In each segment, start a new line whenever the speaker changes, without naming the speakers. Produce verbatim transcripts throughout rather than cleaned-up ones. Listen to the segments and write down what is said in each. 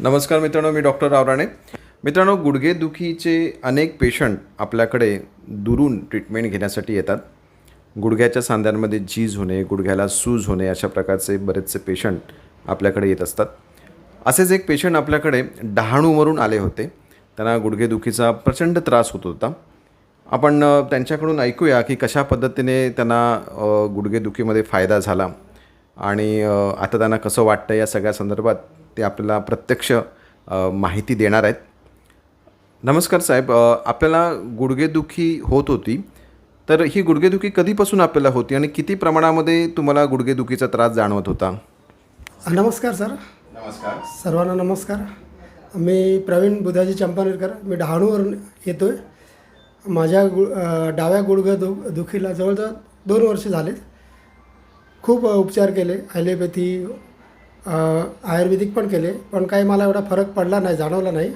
नमस्कार मित्रांनो, मी डॉक्टर रावराणे. मित्रांनो, गुडघेदुखीचे अनेक पेशंट आपल्याकडे दुरून ट्रीटमेंट घेण्यासाठी येतात. गुडघ्याच्या सांध्यांमध्ये झीज होणे, गुडघ्याला सूज होणे, अशा प्रकारचे बरेचसे पेशंट आपल्याकडे येत असतात. असेच एक पेशंट आपल्याकडे डहाणूवरून आले होते. त्यांना गुडघेदुखीचा प्रचंड त्रास होत होता. आपण अ, त्यांच्याकडून ऐकूया की कशा पद्धतीने त्यांना अ, गुडघेदुखीमध्ये फायदा झाला आणि अ, आता त्यांना कसं वाटतं या सगळ्या संदर्भात ते आपल्याला प्रत्यक्ष अ, माहिती देणार आहेत. नमस्कार साहेब, अ, आपल्याला गुडघेदुखी होत होती, तर ही गुडघेदुखी कधीपासून आपल्याला होती आणि किती प्रमाणामध्ये तुम्हाला गुडघेदुखीचा त्रास जाणवत होता?
नमस्कार सर.
नमस्कार.
सर्वांना नमस्कार. मी प्रवीण बुधाजी चंपानेरकर. मी डहाणूवरून येतो आहे. माझ्या गु अ, डाव्या गुडघ्या दु दुखीला जवळजवळ दोन वर्ष झालेत. खूप उपचार केले, ॲलोपॅथी, अ, आयुर्वेदिक पण केले, पण काही मला एवढा फरक पडला नाही, जाणवला नाही.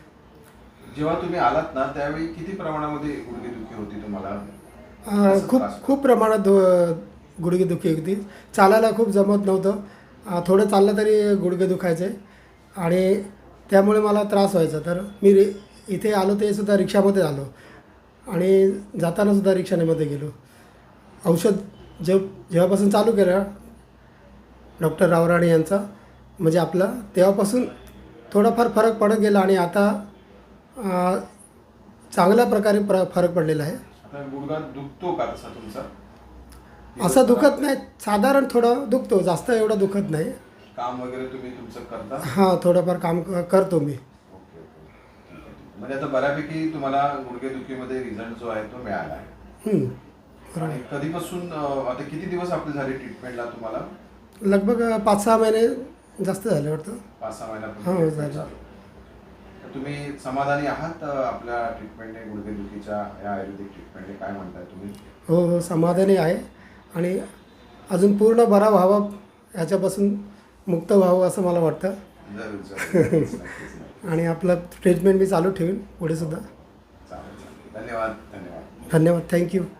जेव्हा तुम्ही आलात ना, त्यावेळी किती प्रमाणामध्ये गुडघेदुखी होती तुम्हाला?
अ, खूप खूप प्रमाणात दु गुडघेदुखी होती. चालायला खूप जमत नव्हतं. अ, थोडं चाललं तरी गुडघे दुखायचे आणि त्यामुळे मला त्रास व्हायचा. तर मी रि इथे आलो ते सुद्धा रिक्षामध्ये आलो आणि जातानासुद्धा रिक्षानेमध्ये गेलो. औषध जे जेव्हापासून चालू केलं डॉक्टर रावराणे यांचा, म्हणजे आपला, तेव्हापासून थोडाफार फरक पडत गेला आणि आता अ, चांगल्या प्रकारे प्र फरक पडलेला आहे.
आता गुडघा दुखतो का तसा तुमचा?
असं दुखत नाही, साधारण थोडं दुखतो, जास्त एवढं दुखत नाही.
काम वगैरे तुम्ही तुमचं करता?
हां, थोडंफार काम क करतो मी.
Okay okay. म्हणजे आता बऱ्यापैकी तुम्हाला गुडघेदुखीमध्ये रिझल्ट जो आहे तो मिळाला आहे.
हं, बरोबर.
आणि कधीपासून अ, आता किती दिवस आपले झाले ट्रीटमेंटला तुम्हाला?
लगभग पाच सहा महिने जास्त झाले वाटतं.
पाच सहा
हो,
महिन्यापासून
झालं.
चालू. तर तुम्ही समाधानी आहात अ, आपल्या ट्रीटमेंटने, गुडघेदुखीच्या या आयुर्वेदिक ट्रीटमेंटने? काय म्हणताय तुम्ही?
हो हो, समाधानी आहे आणि अजून पूर्ण बरा व्हावा, याच्यापासून मुक्त व्हावं असं मला वाटतं.
जरूर जरूर. नक्कीच, नक्कीच, नक्कीच.
आणि आपलं ट्रीटमेंट मी चालू ठेवीन पुढे सुद्धा.
चालेल चालेल. धन्यवाद धन्यवाद.
धन्यवाद. थँक्यू.